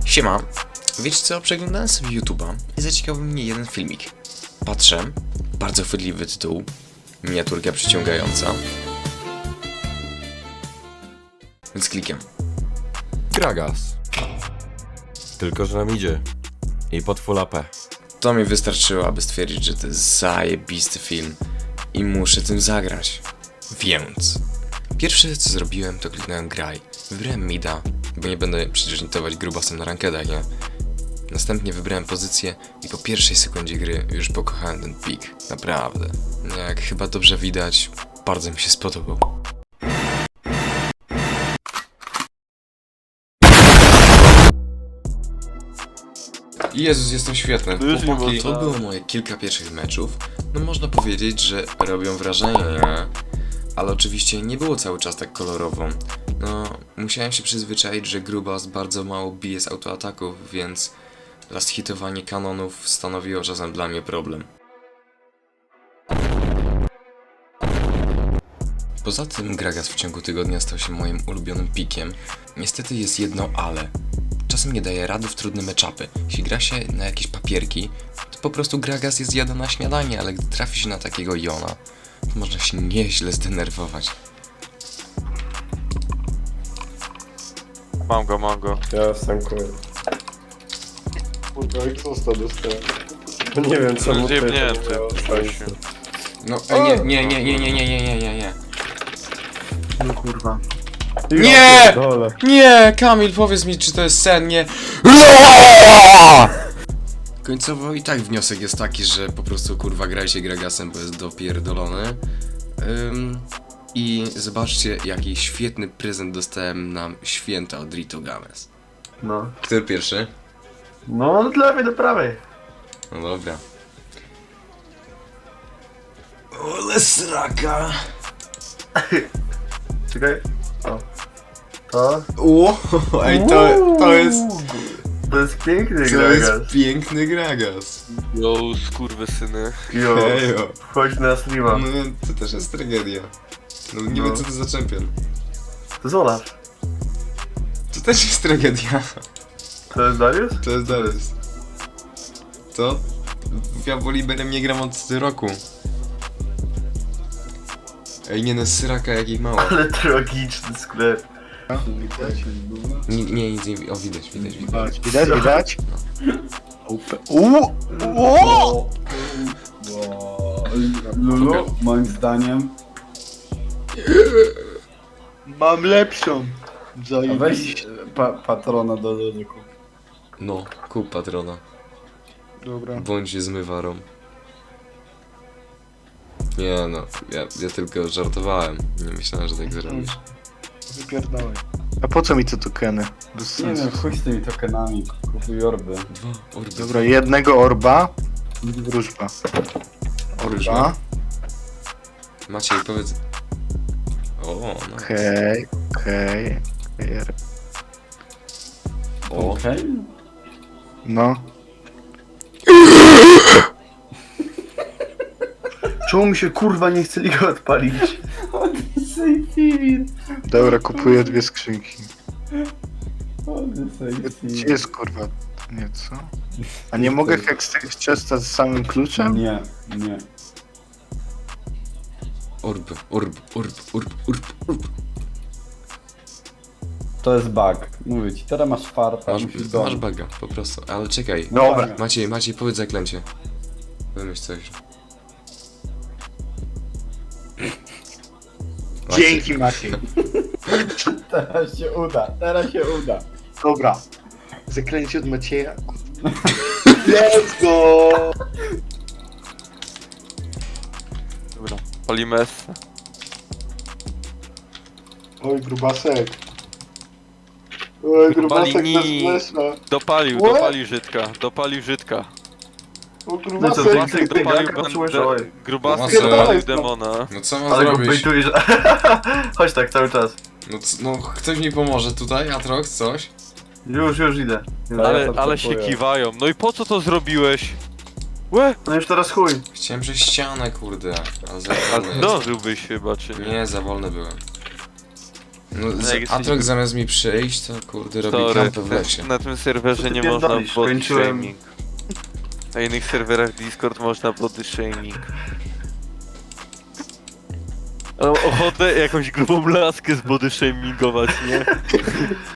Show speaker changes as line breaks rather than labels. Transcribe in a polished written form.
Siema, wiecie co, przeglądałem sobie YouTube'a i zaciekawił mnie jeden filmik. Patrzę, bardzo chwytliwy tytuł, miniaturka przyciągająca. Więc klikam.
Gragas. Tylko, że nam idzie. I pod full AP.
To mi wystarczyło, aby stwierdzić, że to jest zajebisty film i muszę tym zagrać. Więc pierwsze co zrobiłem, to kliknąłem graj. Wybrałem mida, bo nie będę przecież nitować grubasem na rankedach, nie? Następnie wybrałem pozycję i po pierwszej sekundzie gry już pokochałem ten pik. Naprawdę. Jak chyba dobrze widać, bardzo mi się spodobał. Jezus, jestem świetny. Chłopaki, to było moje kilka pierwszych meczów. No można powiedzieć, że robią wrażenie, nie? Ale oczywiście nie było cały czas tak kolorowo. No, musiałem się przyzwyczaić, że grubas bardzo mało bije z autoataków, więc last hitowanie kanonów stanowiło czasem dla mnie problem. Poza tym Gragas w ciągu tygodnia stał się moim ulubionym pikiem. Niestety jest jedno ale. Czasem nie daje rady w trudne matchupy. Jeśli gra się na jakieś papierki, to po prostu Gragas jest jadł na śniadanie, ale gdy trafi się na takiego Jona, to można się nieźle zdenerwować.
Mam go.
Ja stankuję. Kurwa, egzosta dostałem. No nie wiem co mu
Zjebnięty.
No, nie.
No kurwa.
Nie!
Dole.
Nie! Kamil, powiedz mi, czy to jest sen, nie? Końcowo i tak wniosek jest taki, że po prostu kurwa grajcie Gragasem, bo jest dopierdolony. I zobaczcie, jaki świetny prezent dostałem na święta od Rito Games.
No.
Który pierwszy?
No, od lewej do prawej.
No dobra. Ole sraka!
Czekaj. O. To?
O, ej, to jest...
To jest piękny
To
Gragas.
jest piękny Gragas.
Yo, skurwysyny.
Jo,
Hejo.
wchodź na streama.
No to też jest tragedia. No nie wiem co to za czempion.
To jest Olaf.
To też jest tragedia.
To jest Darius?
To jest Darius. Co? Ja Woliberem nie gram od roku. Ej, nie no, syraka jakich mało.
Ale tragiczny sklep.
Nie, nic nie... O, widać.
Widać?
Lulu, moim zdaniem.
Mam lepszą.
A weź patrona do Lulu.
No, kup patrona.
Dobra.
Bądź zmywarą. Nie no, ja tylko żartowałem. Nie myślałem, że tak zrobisz.
Wypierdalaj. A po co mi te tokeny? Bez
Nie
sensu.
wiem, chuj z tymi tokenami, kupuj orby.
Dwa orby.
Dobra, jednego orba i wróżba.
Orba. Maciej, powiedz... O, no.
Okej.
O.
Okej?
No. Czemu mi się kurwa nie chce liga odpalić? Dobra, kupuję dwie skrzynki. Gdzie jest kurwa? Nie, co? A nie mogę hekstych ciasta z samym kluczem?
Nie.
Orb.
To jest bug. Mówię ci, teraz masz farta, musisz
Masz
gonić.
baga, po prostu. Ale czekaj.
Dobra.
Maciej, powiedz zaklęcie. Wymyśl coś.
Dzięki Maciej.
Teraz się uda.
Dobra. Zaklęcie od Macieja. Let's go!
Dobra, palimy S.
Oj, grubasek. Oj, grubasek nas
Balini.
flesza.
Dopalił Żydka.
O,
Grubasek dopalił demona.
No co mam
Ale go
zrobić?
bejtujesz. Chodź tak cały czas.
No ktoś mi pomoże tutaj, Atrox, coś?
Już idę.
Ale się kiwają. No i po co to zrobiłeś? Łe!
No już teraz chuj.
Chciałem przez ścianę, kurde. Ale za
A
wolny
zdążyłbyś chyba, czy
jest.
nie?
Nie, za wolny byłem. No,
jak jesteś-
Atrok zamiast mi przyjść, to kurde robi
Sorry,
kampę w lesie.
na tym serwerze
Co ty
nie można
pierdolisz?
body
Kończyłem-
shaming. Na innych serwerach Discord można body shaming. Mam ochotę jakąś grubą laskę z body shamingować, nie?